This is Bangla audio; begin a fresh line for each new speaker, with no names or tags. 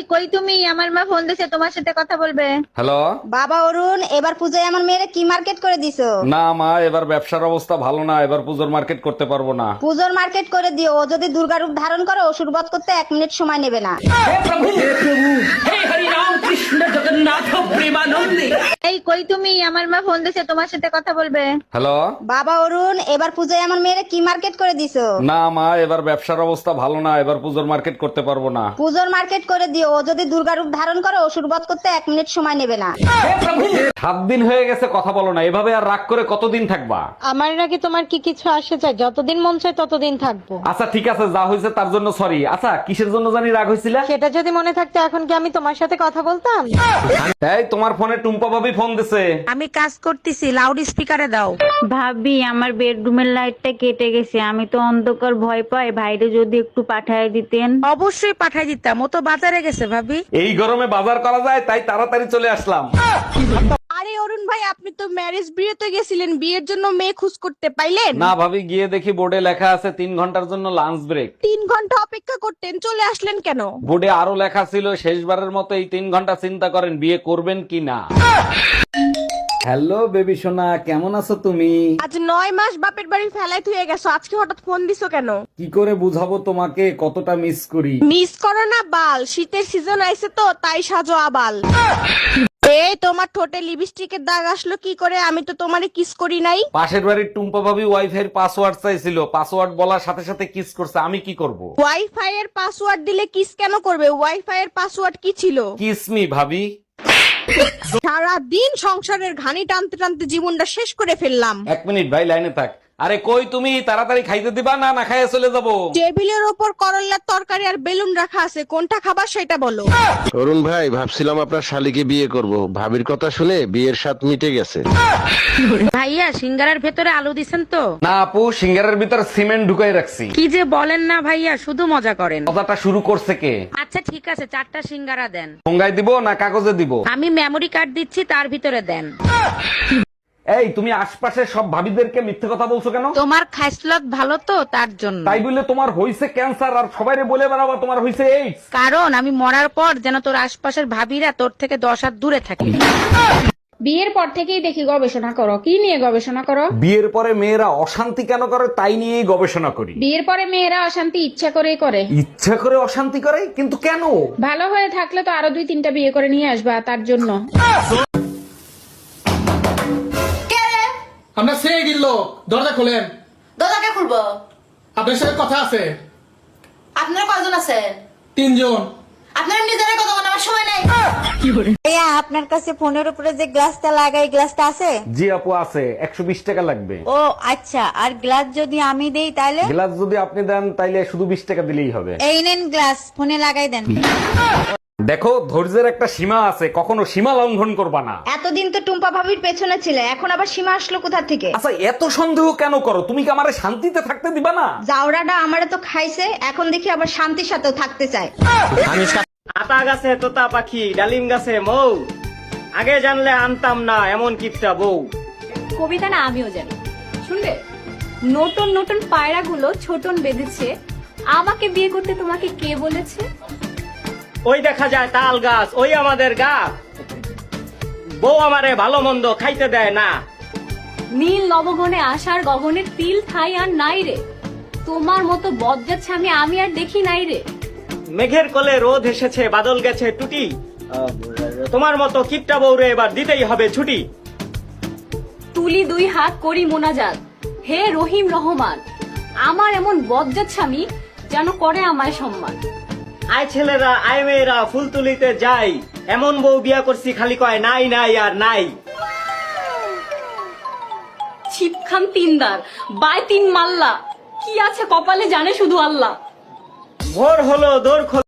কই তুমি? আমার মা ফোন দিছে, তোমার সাথে কথা বলবে।
হ্যালো।
বাবা অরুণ, এবার পূজায় আমার মেয়েরা কি মার্কেট করে দিছো?
না মা, এবার ব্যবসার অবস্থা ভালো না, এবার পুজোর মার্কেট করতে পারবো না।
পুজোর মার্কেট করে দিও, ও যদি দুর্গা রূপ ধারণ করে অসুর বধ করতে 1 মিনিট সময় নেবে না।
এই কই তুমি? আমার মা ফোন দিছে, তোমার সাথে কথা বলবে।
হ্যালো।
বাবা অরুণ, এবার পূজায় আমার মেয়েরা কি মার্কেট করে দিছো?
না মা, এবার ব্যবসার অবস্থা ভালো না, এবার পুজোর মার্কেট করতে পারবো না।
পুজোর মার্কেট করে দিও, ও যদি দুর্গা রূপ ধারণ করে অসুর বধ করতে 1 মিনিট সময় নেবে না।
7 দিন হয়ে গেছে কথা বলো না, এভাবে আর রাগ করে কতদিন থাকবা?
আমার নাকি তোমার কি কিছু আসে চাই? যতদিন মন চায় ততদিন থাকবো।
আচ্ছা ঠিক আছে, যা হয়েছে তার জন্য সরি। আচ্ছা কিসের জন্য জানি রাগ হয়েছিল?
সেটা যদি মনে থাকতো এখন কি আমি তোমার সাথে কথা বলতাম?
এই তোমার ফোনে টুম্পা ভাবি ফোন দিছে।
আমি কাজ করতেছি, লাউড স্পিকারে দাও।
ভাবি আমার বেডরুমের লাইটটা কেটে গেছে, আমি তো অন্ধকার ভয় পাই, ভাইরে যদি একটু পাঠায় দিতেন।
অবশ্যই পাঠাই দিতাম, ও তো বাজারে গেছে ভাবি।
এই গরমে বাজার করা যায় তাই তাড়াতাড়ি চলে আসলাম।
আরে অরুণ ভাই, আপনি তো ম্যারেজ বিয়েতে গেছিলেন, বিয়ের জন্য মেয়ে খোঁজ করতে পাইলেন?
না ভাবি, গিয়ে দেখি বোর্ডে লেখা আছে 3 ঘন্টার জন্য লাঞ্চ ব্রেক।
3 ঘন্টা অপেক্ষা করতেন, চলে আসলেন কেন?
বোর্ডে আরো লেখা ছিল শেষবারের মতো এই 3 ঘন্টা চিন্তা করেন বিয়ে করবেন কি না। হ্যালো বেবি সোনা, কেমন আছো তুমি?
আজ 9 মাস বাপের বাড়ি ফেলাই থুয়ে গেছো, আজকে হঠাৎ ফোন দিছো কেন?
কি করে বুঝাবো তোমাকে কতটা মিস করি?
মিস করো না বাল, শীতের সিজন আইছে তো তাই সাজো আবাল। এই তোমার ঠোঁটে লিপস্টিকের দাগ আসলো কি করে? আমি তো তোমারে কিস করি নাই।
পাশের বাড়ির টুম্পা ভাবি ওয়াইফাই এর পাসওয়ার্ড চাইছিল, পাসওয়ার্ড বলার সাথে সাথে কিস করছে, আমি কি করব?
ওয়াইফাই এর পাসওয়ার্ড দিলে কিস কেন করবে? ওয়াইফাই এর পাসওয়ার্ড কি ছিল?
কিস মি ভাবি।
সারা দিন সংসারের ঘানি টানতে টানতে জীবনটা শেষ করে ফেললাম।
1 মিনিট ভাই, লাইনে থাক। আরে কই তুমি? তাড়াতাড়ি খাইতে দিবা না না খাইয়ে চলে যাবো?
টেবিলের ওপর করল্লার তরকারি আর বেলুন রাখা আছে, কোনটা খাবার সেটা বলো।
অরুণ ভাই, ভাবছিলাম আপনার শালিকে বিয়ে করব, ভাবির কথা শুনে বিয়ের স্বাদ মিটে গেছে।
ভাইয়া সিঙ্গারার ভেতরে আলু দিছেন তো?
না আপু, সিঙ্গারের ভিতর সিমেন্ট ঢুকাই রাখছি।
কি যে বলেন না ভাইয়া, শুধু মজা করেন।
কথাটা শুরু করছে কে?
আচ্ছা ঠিক আছে, 4টা সিঙ্গারা দেন।
ঠোঙ্গায় দিব না কাগজে দিব?
আমি মেমোরি কার্ড দিচ্ছি, তার ভিতরে দেন।
এই তুমি আশপাশের সব ভাবিদেরকে মিথ্যে কথা বলছো কেন?
তোমার খাইসলত ভালো তো তার জন্য।
তাই বলে তোমার হইছে ক্যান্সার আর সবাইরে বলে বেড়াবা তোমার হইছে এইডস?
কারণ আমি মরার পর যেন তোর আশপাশের ভাবিরা তোর থেকে 10 হাত দূরে থাকে।
বিয়ের পর থেকেই দেখি গবেষণা করো। কি নিয়ে গবেষণা করো?
বিয়ের পরে মেয়েরা অশান্তি কেন করে তাই নিয়েই গবেষণা করি।
বিয়ের পরে মেয়েরা অশান্তি ইচ্ছা করেই করে।
ইচ্ছা করে অশান্তি করে? কিন্তু কেন?
ভালো হয়ে থাকলে তো আরো 2-3টা বিয়ে করে নিয়ে আসবা, তার জন্য।
আমরা সেই দিল, দরজা খোলেন।
দরজাকে খুলবো?
আপনার সাথে কথা আছে।
আপনারা কয়জন আছেন?
3 জন।
আপনারা নিজেরা কথা বলার আমার সময় নাই।
ভাইয়া, আপনার কাছে ফোনের উপরে যে গ্লাসটা লাগাই, গ্লাসটা আছে?
জি আপু আছে, 120 টাকা লাগবে।
ও আচ্ছা, আর গ্লাস যদি আমি দেই তাহলে?
গ্লাস যদি আপনি দেন তাইলে শুধু 20 টাকা দিলেই হবে।
এই নেন গ্লাস, ফোনে লাগাই দেন।
দেখো, ধৈর্যের একটা সীমা আছে, কখনো সীমা লঙ্ঘন করবা না।
এতদিন তো টুম্পা ভাবির পেছনে ছিলে, এখন আবার সীমা আসলো কোথা থেকে?
আচ্ছা এত সন্দেহ কেন করো? তুমি কি আমারে শান্তিতে থাকতে দিবা না?
জাউরাটা আমারে তো খাইছে, এখন দেখি আবার শান্তির সাথেও থাকতে চায়।
আতা গাছে তোতা পাখি, ডালিম গাছে মৌ, আগে জানলে আনতাম না এমন কিপটা বউ।
কবিতা না আমিও জানি, শুনবে? নতুন নতুন পায়রাগুলো ছোটন বেঁধেছে, আমাকে বিয়ে করতে তোমাকে কে বলেছে?
ওই দেখা যায় তাল গাছ, ওই আমাদের গা, বউ আমারে ভালো মন্দ খাইতে দেয় না।
নীল নবগণে আসার গগনে তিল ঠাই আর নাই রে, তোমার মতো বজ্জাত স্বামী আমি আর দেখি নাই রে।
মেঘের কোলে রোদ এসেছে, বাদল গেছে টুটি, তোমার মতো কিপটা বউরে এবার দিতেই হবে ছুটি।
তুলি 2 হাত করি মোনাজাত, হে রহিম রহমান, আমার এমন বজ্জাত স্বামী যেন করে আমায় সম্মান।
আয় ছেলেরা আয় মেয়েরা ফুল তুলিতে যাই, এমন বউ বিয়া করছি খালি কয় নাই নাই আর নাই।
ছিপখান 3 দার বাই 3 মাল্লা, কি আছে কপালে জানে শুধু আল্লাহ।
ভোর হলো দৌড়